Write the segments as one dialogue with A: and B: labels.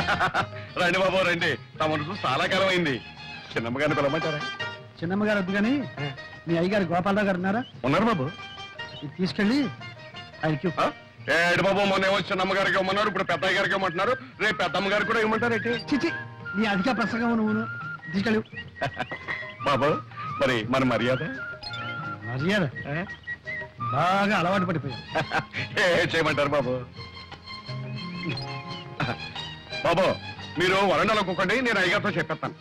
A: రండి బాబు రండి. తమను చూసి చాలా కాలం అయింది. చిన్నమ్మగారిని పిలవమంటారా?
B: చిన్నమ్మగారు వద్దు కానీ మీ అయ్యగారు గోపాలరావు గారు ఉన్నారా?
A: ఉన్నారు బాబు.
B: ఇది తీసుకెళ్ళి ఆయనకి
A: ఏడు బాబు, మొన్న ఏమో చిన్నమ్మగారికి ఇవ్వమన్నారు, ఇప్పుడు పెద్దయ్య గారికి ఇవ్వమంటున్నారు, రేపు పెద్దమ్మ గారికి కూడా ఇవ్వమంటారు ఏంటి?
B: చిచి నీ అధిక ప్రసంగం నువ్వు తీసుకెళ్ళు.
A: బాబు మరి మన మర్యాద
B: మర్యాద బాగా అలవాటు పడిపోయావు.
A: ఏ చేయమంటారు బాబు? బాబు మీరు వరండాలో కూకండి, నేను అయ్యగారితో చెప్పేస్తాను.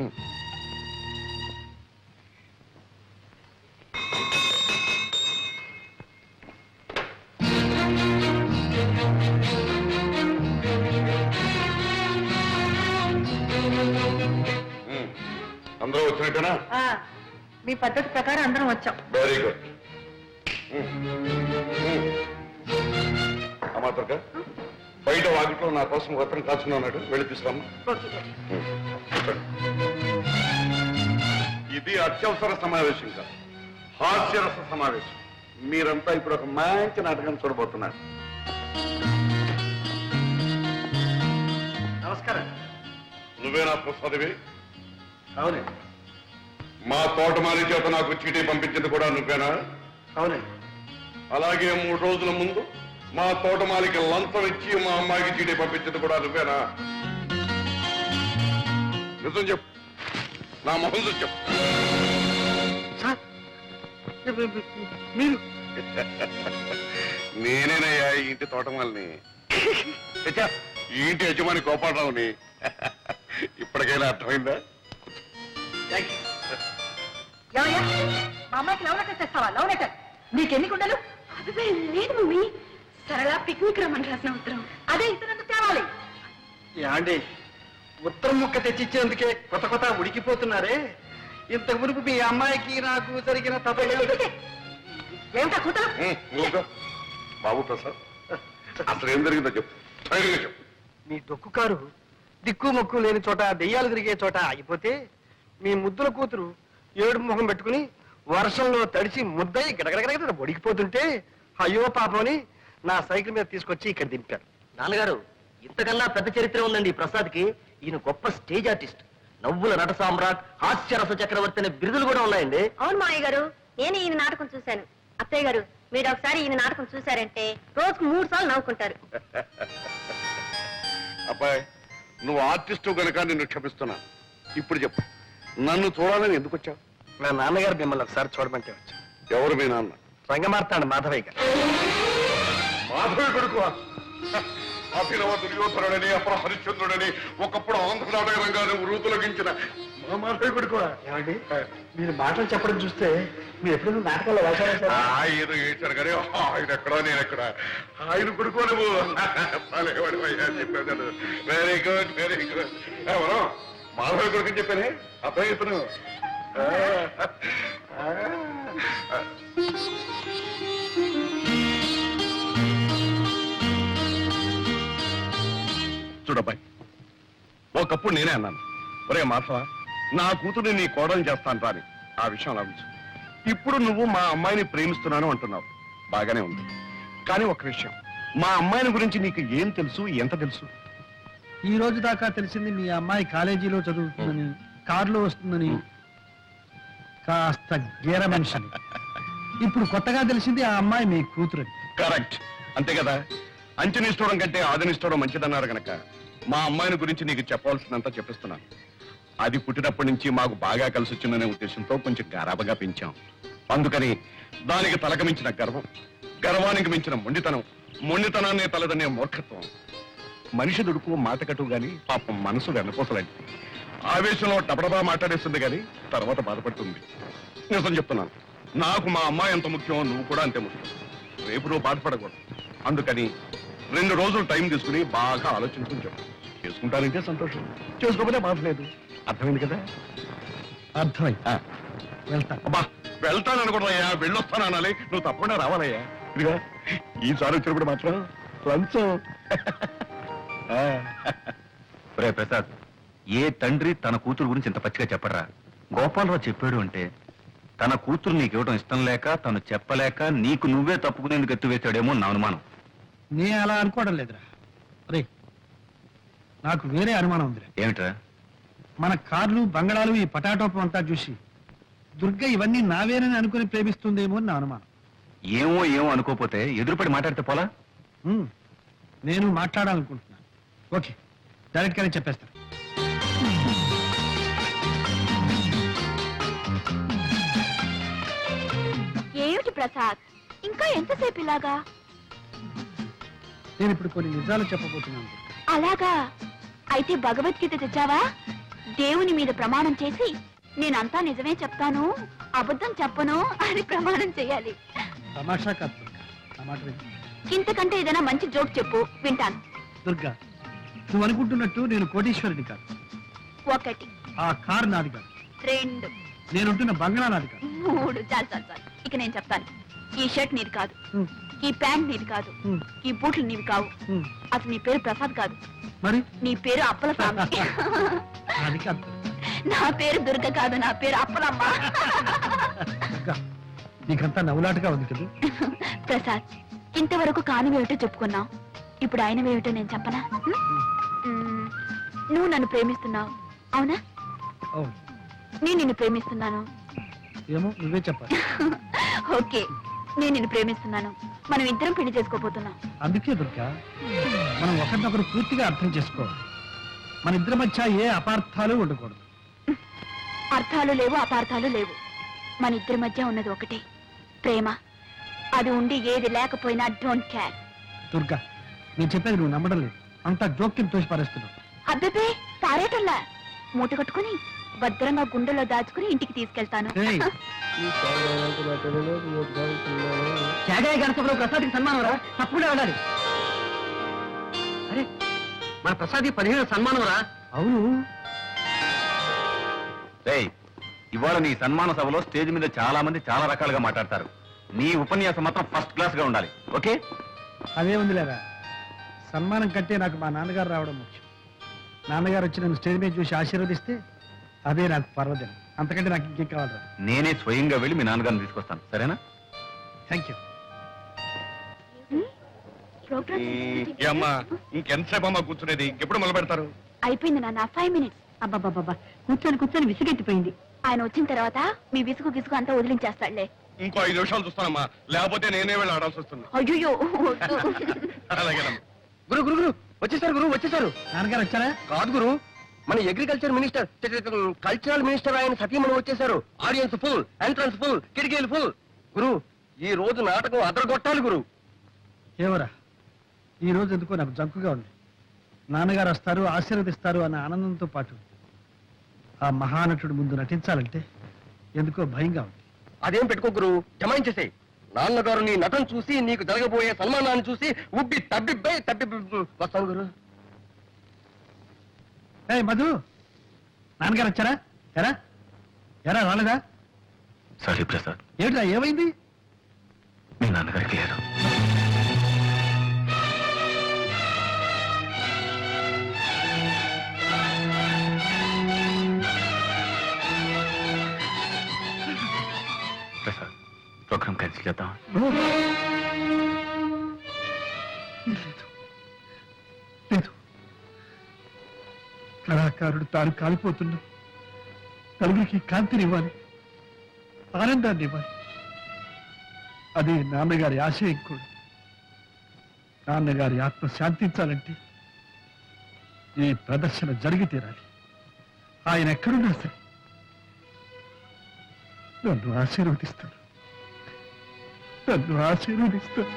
A: అందరూ వచ్చినట్టేనా?
C: మీ పద్ధతి ప్రకారం అందరం వచ్చాం.
A: Very good. అమ్మాతక బయట వాకిట్లో నా కోసం అతను కాచుకుని ఉన్నాడు, వెళ్ళి తీసుకురామ్మా. ఇది అత్యవసర సమావేశం కాదు, హాస్యరస సమావేశం. మీరంతా ఇప్పుడు ఒక మంచి నాటకం చూడబోతున్నారు.
B: నమస్కారం.
A: నువ్వేనా ప్రసాదివి?
B: అవునే.
A: మా తోటమాలి చేత నాకు చీటీ పంపించింది కూడా నువ్వేనా?
B: అవునే.
A: అలాగే 3 రోజుల ముందు మా తోటమాలికి లంచం ఇచ్చి మా అమ్మాయికి చీటీ పంపించింది కూడా నువ్వేనా? నిజం చెప్పు, నా మొహం చూసి చెప్పు.
B: మీరు?
A: నేనేనయ్యా ఈ ఇంటి తోటమాలిని, ఈ ఇంటి యజమాని గోపాలరావుని. ఇప్పటికైనా అర్థమైందా?
C: మా అమ్మాయికి లవ్ లెటర్ తెస్తావా? లవ్ లెటర్ నీకెన్ని గుండెలు?
D: లేదు మమ్మీ, సరళ పిక్నిక్ రమ్మని రాసిన ఉత్తరం.
C: అదే ఇతరులకు తేవాలి.
B: యాండి ఉత్తరం ముక్క తెచ్చిచ్చేందుకే కొత్త ఉడికిపోతున్నారే. ఇంత మునుపు మీ అమ్మాయికి నాకు జరిగిన
C: ఏమిటా కూతురు?
A: బాబు ప్రసాద్, అసలు ఏం జరిగిందో చెప్పు, చెప్పు.
B: మీ దొక్కు కారు దిక్కు మొక్కు లేని చోట దెయ్యాలు తిరిగే చోట ఆగిపోతే మీ ముద్దుల కూతురు ఏడు ముఖం పెట్టుకుని వర్షంలో తడిసి ముద్దయి గడగడగడ ఒడికిపోతుంటే అయ్యో పాపని నా సైకిల్ మీద తీసుకొచ్చి ఇక్కడ దింపారు.
E: నాన్నగారు, ఇంతకన్నా పెద్ద చరిత్ర ఉందండి ఈ ప్రసాద్కి. ఈయన గొప్ప స్టేజ్ ఆర్టిస్ట్, నవ్వుల నట సామ్రాట్, హాస్యరస చక్రవర్తి అనే బిరుదులు కూడా ఉన్నాయండి.
D: అవును మావయ్య గారు, నేను ఈయన నాటకం చూశాను. అత్తయ్య గారు, మీరు ఒకసారి ఈయన నాటకం చూశారంటే రోజుకు 3 సార్లు నవ్వుకుంటారు.
A: అబ్బాయి, నువ్వు ఆర్టిస్టు గనక నిన్ను క్షమిస్తున్నా. ఇప్పుడు చెప్పు, నన్ను చూడాలని ఎందుకు వచ్చావు?
B: నా నాన్నగారు మిమ్మల్ని ఒకసారి చూడమంటే వచ్చాను.
A: ఎవరు మీ నాన్న?
B: రంగమార్తాడు మాధవయ్య గారు.
A: మాధవి కొడుకు? అభినవ దుర్యోధనుడని, అప్పుడు హరిశ్చంద్రుడని, ఒకప్పుడు ఆంధ్ర నాటక రంగాన్ని వృతులగించిన మా మాధవి కొడుకు.
B: ఏమండి, మీరు మాటలు చెప్పడం చూస్తే మీరు ఎప్పుడైనా నాటకాల్లో వేశారు?
A: ఆయన ఏడ్చారు కానీ ఆయన ఎక్కడా నేను ఎక్కడ. ఆయన కొడుకు నువ్వు చెప్పాను. Very good, very good. ఎవరు మాధవి కొడుకు అని చెప్పానే? అబ్బాయి ఇతను చూడబ్బాయి, ఒకప్పుడు నేనే అన్నాను, ఒరే మాధవ, నా కూతురు నీ కోడలు చేస్తాను రాని. ఆ విషయం ఆలోచించు. ఇప్పుడు నువ్వు మా అమ్మాయిని ప్రేమిస్తున్నాను అంటున్నావు, బాగానే ఉంది. కానీ ఒక విషయం, మా అమ్మాయిని గురించి నీకు ఏం తెలుసు, ఎంత తెలుసు?
B: ఈ రోజు దాకా తెలిసింది మీ అమ్మాయి కాలేజీలో చదువుతుందని, కారులో వస్తుందని, కాస్త గేర మనిషిని. ఇప్పుడు కొత్తగా తెలిసింది ఆ అమ్మాయి మీ కూతురు.
A: కరెక్ట్, అంతే కదా. అంచనిస్తూడం కంటే ఆదనిస్తూడం మంచిదన్నారు గనక మా అమ్మాయిని గురించి నీకు చెప్పవలసినంత చెప్పిస్తున్నాను. అది పుట్టినప్పటి నుంచి మాకు బాగా కలిసి వచ్చిందనే ఉద్దేశంతో కొంచెం గారాబగా పెంచాం. అందుకని దానికి తలకు మించిన గర్వం, గర్వానికి మించిన మొండితనం, మొండితనాన్ని తలదనే మూర్ఖత్వం. మనిషి దుడుకు మాట కట్టు గాని పాపం మనసు వెనపోసలాంటి. ఆవేశంలో డబడబా మాట్లాడేస్తుంది గాని తర్వాత బాధపడుతుంది. నిజం చెప్తున్నాను, నాకు మా అమ్మాయి ఎంత ముఖ్యమో నువ్వు కూడా అంతే ముఖ్యం. రేపు నువ్వు బాధపడకూడదు. అందుకని 2 రోజులు టైం తీసుకుని బాగా ఆలోచించుకుని చెప్పు. చేసుకుంటానంటే సంతోషం, చేసుకోకపోతే బాధ లేదు. అర్థమైంది కదా?
B: అర్థమైంది. వెళ్తా.
A: అబ్బా, వెళ్తాననుకోవయ్యా, వెళ్ళొస్తాను అనాలి. నువ్వు తప్పకుండా రావాలయ్యా. ఇదిగా ఈసారి వచ్చినప్పుడు మాత్రం లంచం.
F: రే ప్రసాద్, ఏ తండ్రి తన కూతురు గురించి ఇంత పచ్చిగా చెప్పడరా? గోపాలరావు చెప్పాడు అంటే తన కూతురు నీకు ఇవ్వడం ఇష్టం లేక, తను చెప్పలేక నీకు నువ్వే తప్పుకునేందుకు ఎత్తువేశాడేమో నా అనుమానం.
B: నే అలా అనుకోవడం లేదురా. రే, నాకు వేరే అనుమానం ఉంది.
F: ఏమిట్రా?
B: మన కార్లు బంగళాలు ఈ పటాటోపం అంతా చూసి దుర్గ ఇవన్నీ నావేనని అనుకుని ప్రేమిస్తుందేమో అని నా అనుమానం.
F: ఏమో ఏమో అనుకోపోతే ఎదురుపడి మాట్లాడితే పోలా?
B: నేను మాట్లాడాలనుకుంటున్నాను. ఓకే, డైరెక్ట్ గానే చెప్పేస్తాను.
D: ఏమిటి ప్రసాద్, ఇంకా ఎంతసేపు ఇలాగా?
B: నేను ఇప్పుడు కొన్ని నిజాలు చెప్పబోతున్నాను.
D: అలాగా? అయితే భగవద్గీత తెచ్చావా? దేవుని మీద ప్రమాణం చేసి నేనంతా నిజమే చెప్తాను, అబద్ధం చెప్పను అని ప్రమాణం చేయాలి.
B: తమాషా కాదు దుర్గా, నా మాట విను.
D: ఇంతకంటే ఏదైనా మంచి జోక్ చెప్పు, వింటాను.
B: దుర్గా, నువ్వు అనుకుంటున్నట్టు నేను కోటీశ్వరుడి కాదు.
D: 1
B: ఆ కారు నాది కాదు.
D: 2
B: నేనుంటున్న బంగళా నాది కాదు.
D: 3 చాలు చాలు చాలు. ఇక నేను చెప్తాను. ఈ షర్ట్ నీది కాదు,
B: ఉమ్,
D: ఈ ప్యాంట్ నీది కాదు,
B: ఉమ్,
D: ఈ బూట్లు నీవి కావు.
B: ఉమ్.
D: అసలు నీ పేరు ప్రసాద్ కాదు,
B: మరి
D: నీ పేరు అప్పల స్వామి.
B: అది కాదు
D: నా పేరు దుర్గ కాదు, నా పేరు అప్పలమ్మ.
B: దుర్గా, నీకంతా నవ్వులాటగా ఉంది కదా.
D: ప్రసాద్, ఇంతవరకు కానివేమిటో చెప్పుకున్నావు, ఇప్పుడు ఆయనవేమిటో నేను చెప్పనా? మ్మ్. నువ్వు నన్ను ప్రేమిస్తున్నావు, అవునా?
B: అవును,
D: నేను నిన్ను ప్రేమిస్తున్నాను.
B: ఏమో నువ్వే చెప్పాలి.
D: ఓకే, నేను నిన్ను ప్రేమిస్తున్నాను. మనం ఇద్దరం పెళ్లి చేసుకోబోతున్నాం.
B: అందుకే దుర్గా, మనం ఒకరినొకరు పూర్తిగా అర్థం చేసుకోవాలి. మన ఇద్దరి మధ్య ఏ అపార్థాలు ఉండకూడదు.
D: అర్థాలు లేవు, అపార్థాలు లేవు. మన ఇద్దరి మధ్య ఉన్నది ఒకటే, ప్రేమ. అది ఉండి ఏది లేకపోయినా డోంట్ కేర్.
B: దుర్గా, నేను చెప్పేది నువ్వు నమ్మడం లేదు. అంతా జోక్యం తోసి పారేస్తున్నావు.
D: అబ్బే, పారేటల్లా మూట కట్టుకుని భద్రంగా గుండెలో దాచుకుని ఇంటికి తీసుకెళ్తాను.
B: ఏయ్,
E: త్యాగయ్య గణసభలో ప్రసాద్కి సన్మానం రా, తప్పకుండా వెళ్ళాలి. అరే, మన ప్రసాద్ 15 సన్మానం రా.
B: అవును,
F: రేయ్, ఇవాళ నీ సన్మాన సభలో స్టేజ్ మీద చాలా మంది చాలా రకాలుగా మాట్లాడతారు. నీ ఉపన్యాసం మాత్రం ఫస్ట్ క్లాస్ గా ఉండాలి. ఓకే?
B: అదే ఉంది లేదా. సన్మానం కంటే నాకు మా నాన్నగారు రావడం ముఖ్యం. నాన్నగారు వచ్చి నన్ను స్టేజ్ మీద చూసి ఆశీర్వదిస్తే అదే నాకు పర్వదినం. అంతకంటే నాకు ఇంకేం కావాలరా.
F: నేనే స్వయంగా వెళ్ళి మీ నాన్నగారిని తీసుకొస్తాను, సరేనా?
B: Thank you.
A: అమ్మా, ఇంకెంతసేపు అమ్మా కూర్చునేది? ఇంకెప్పుడు మొదలు పెడతారు?
D: అయిపోయింది నాన్న, 5 minutes.
C: అబ్బాబాబా, కూర్చొని కూర్చొని విసిగెత్తిపోయింది.
D: ఆయన వచ్చిన తర్వాత మీ విసుగు గిసుగు అంతా వదిలించేస్తాడులే.
A: ఇంకో 5 నిమిషాలు చూస్తానమ్మా, లేకపోతే నేనే వెళ్ళి ఆడాల్సి వస్తుంది.
D: అయ్యో,
A: అలాగేనమ్మా.
B: గురు గురు గురు వచ్చేసారు, గురు వచ్చేసారు. నాన్నగారు వచ్చారా? కాదు గురు, మన అగ్రికల్చర్ మినిస్టర్, కల్చరల్ మినిస్టర్ ఆయన సతీమణి వచ్చేసారు. ఆడియన్స్ ఫుల్, ఎంట్రన్స్ ఫుల్, కిటికీలు ఫుల్. గురు, ఈ రోజు నాటకం అదరగొట్టాలి గురు. ఏమరా, ఈ రోజు ఎందుకో నాకు జంకుగా ఉంది. నాన్నగారు వస్తారు, ఆశీర్వదిస్తారు అన్న ఆనందంతో పాటు ఆ మహానటుడు ముందు నటించాలంటే ఎందుకో భయంగా ఉంది. అదేం పెట్టుకో గురు, జమాయించేసే. నాన్నగారు నీ నటన చూసి, నీకు జరగబోయే సన్మానాన్ని చూసి ఉబ్బి తబ్బి వస్తాను గురు. ఏ మధు, నాన్నగారు వచ్చారా? ఎరా ఎరా రాలేదా?
F: సారీ ప్రసాద్,
B: ఏమిటా, ఏమైంది?
F: మీ నాన్నగారికి లేదు. ప్రసాద్, ప్రోగ్రామ్ క్యాన్సిల్ చేద్దాం.
B: లేదు, కళాకారుడు తాను కాలిపోతున్నా నలుగురికి కాంతినివ్వాలి, ఆనందాన్ని ఇవ్వాలి. అదే నాన్నగారి ఆశయం కూడా. నాన్నగారి ఆత్మ శాంతించాలంటే ఈ ప్రదర్శన జరిగి తీరాలి. ఆయన ఎక్కడున్నా సరే నన్ను ఆశీర్వదిస్తాను, నన్ను ఆశీర్వదిస్తాను.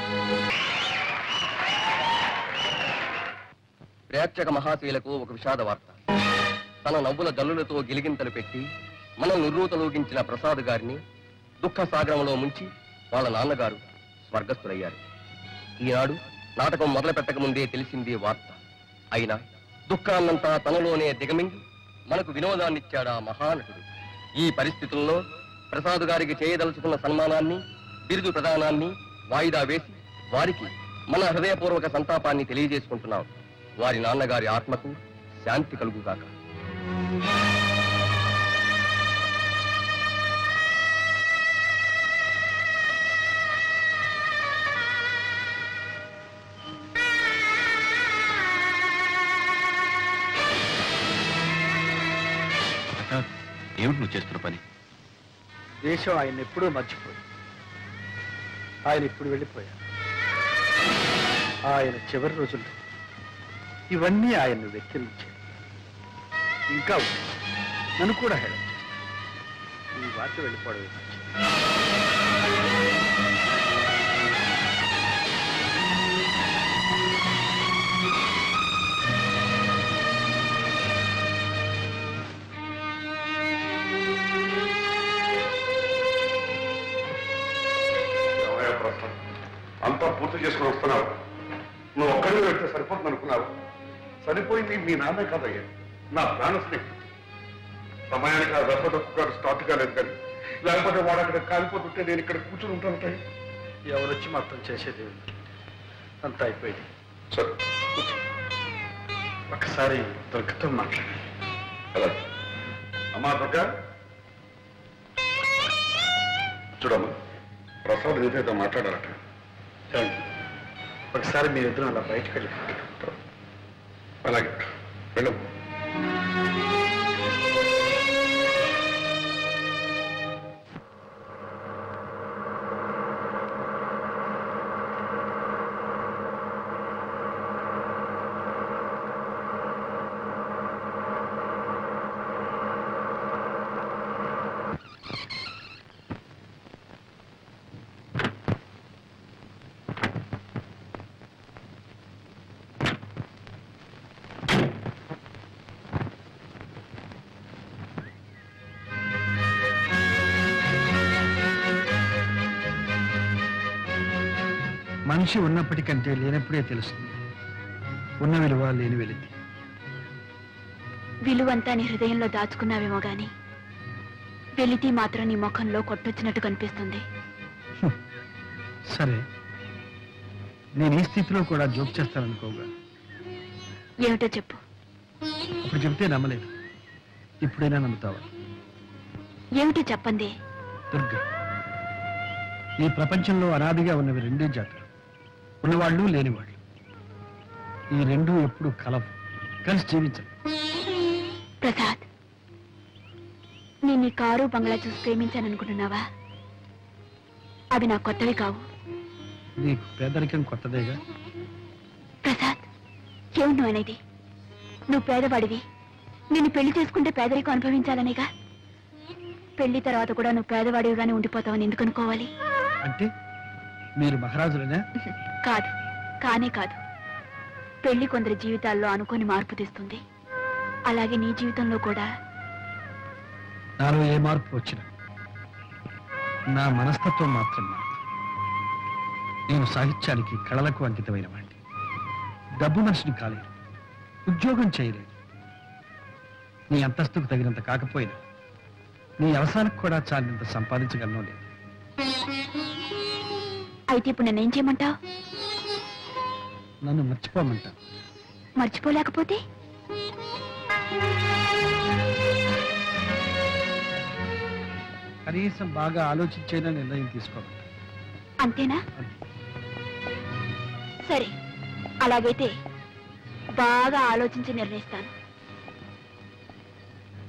G: ప్రేక్షక మహాశీలకు ఒక విషాద వార్త. తన నవ్వుల జల్లులతో గిలిగింతలు పెట్టి మనం నిర్రూతలూగించిన ప్రసాద్ గారిని దుఃఖ సాగరంలో ముంచి వాళ్ళ నాన్నగారు స్వర్గస్థులయ్యారు. ఈనాడు నాటకం మొదలు పెట్టక ముందే తెలిసింది వార్త. అయినా దుఃఖాన్నంతా తనలోనే దిగమింగి మనకు వినోదాన్నిచ్చాడా మహానటుడు. ఈ పరిస్థితుల్లో ప్రసాద్ గారికి చేయదలుచుకున్న సన్మానాన్ని, బిరుదు ప్రదానాన్ని వాయిదా వేసి వారికి మన హృదయపూర్వక సంతాపాన్ని తెలియజేసుకుంటున్నాం. వారి నాన్నగారి ఆత్మకు శాంతి కలుగుగాక.
F: ఏమిటి నువ్వు చేస్తున్న పని?
B: దేశం ఆయన ఎప్పుడూ మర్చిపోయి ఆయన ఇప్పుడు వెళ్ళిపోయారు. ఆయన చివరి రోజుల్లో ఇవన్నీ ఆయన్ను వెక్కిరించాయి. ఇంకా ఉన్నాయి. నన్ను కూడా హేళన చేస్తాను. ఈ వార్త వెళ్ళిపోవడమే మంచిది.
A: అంతా పూర్తి చేసుకుని వస్తున్నావు. నువ్వు ఒక్కడిని వెళ్తే సరిపోతుంది అనుకున్నావు. సరిపోయింది మీ నాన్నే కాదయ్యా, నా ప్రాణ స్నేహితుడు. సమయానికి ఆ రసదొక్కు గారు స్టార్ట్ కాలేదు కానీ లేకపోతే వాడు అక్కడ కాలిపోతుంటే నేను ఇక్కడ కూర్చుని ఉంటాను.
B: ఎవరొచ్చి మొత్తం చేసేది ఉంది. అంతా అయిపోయింది.
A: సరే కూర్చో.
B: ఒకసారి దుర్గతో మాట్లాడాలి.
A: అలా అమ్మా దుర్గా, చూడమ్మా, ప్రసాద్ నీతో మాట్లాడాలట.
B: చూడండి, ఒకసారి మీరిద్దరం అలా బయటకు వెళ్ళి
A: అలాగే వెళ్ళము.
B: మనిషి ఉన్నప్పటికంటే లేనప్పుడే తెలుస్తుంది ఉన్న విలువ లేని వెలితి.
D: విలువంతా నీ హృదయంలో దాచుకున్నావేమో గాని వెలితి మాత్రం నీ ముఖంలో కొట్టొచ్చినట్టు కనిపిస్తుంది.
B: సరే, నేను ఈ స్థితిలో కూడా జోక్ చేస్తాననుకోగా.
D: ఏమిటో చెప్పు.
B: అప్పుడు చెబితే నమ్మలేదు, ఇప్పుడైనా నమ్ముతావా?
D: ఏమిటో చెప్పండి.
B: దుర్గా, ఈ ప్రపంచంలో అనాదిగా ఉన్నవి రెండే జాతులు, ఉన్నవాళ్ళు లేనివాళ్ళు. ఈ రెండు ఎప్పుడు కలవు, కలిసి జీవించరు.
D: ప్రసాద్, నేను నీ కారు బంగ్లా చూసి ప్రేమించాననుకుంటున్నావా? అవి నాకు కొత్తవి కావు.
B: నీకు పేదరికం కొత్తదేగా.
D: ప్రసాద్, ఏమిటి నువ్వు అనేది? నువ్వు పేదవాడివి, నిన్ను పెళ్లి చేసుకుంటే పేదరికం అనుభవించాలనేగా. పెళ్లి తర్వాత కూడా నువ్వు పేదవాడివిగానే ఉండిపోతావని ఎందుకు అనుకోవాలి?
B: అంటే మీరు మహారాజులనే?
D: కాదు, కానే కాదు. పెళ్లి కొందరి జీవితాల్లో అనుకోని మార్పు తెస్తుంది. అలాగే నీ జీవితంలో కూడా.
B: నాలో ఏ మార్పు వచ్చినా నా మనస్తత్వం మాత్రం మాత్రం. నేను సాహిత్యానికి, కళలకు అంకితమైన వాడిని. డబ్బు మనిషిని కాలేదు, ఉద్యోగం చేయలేదు. నీ అంతస్తుకు తగినంత కాకపోయినా నీ అవసరానికి కూడా చాలినంత సంపాదించగలను లేదు.
D: అయితే ఇప్పుడు నన్నేం చేయమంటావు?
B: నన్ను మర్చిపోమంటా.
D: మర్చిపోలేకపోతే?
B: కనీసం బాగా ఆలోచించైనా నిర్ణయం తీసుకోమంటా.
D: అంతేనా? సరే, అలాగైతే బాగా ఆలోచించి నిర్ణయిస్తాను.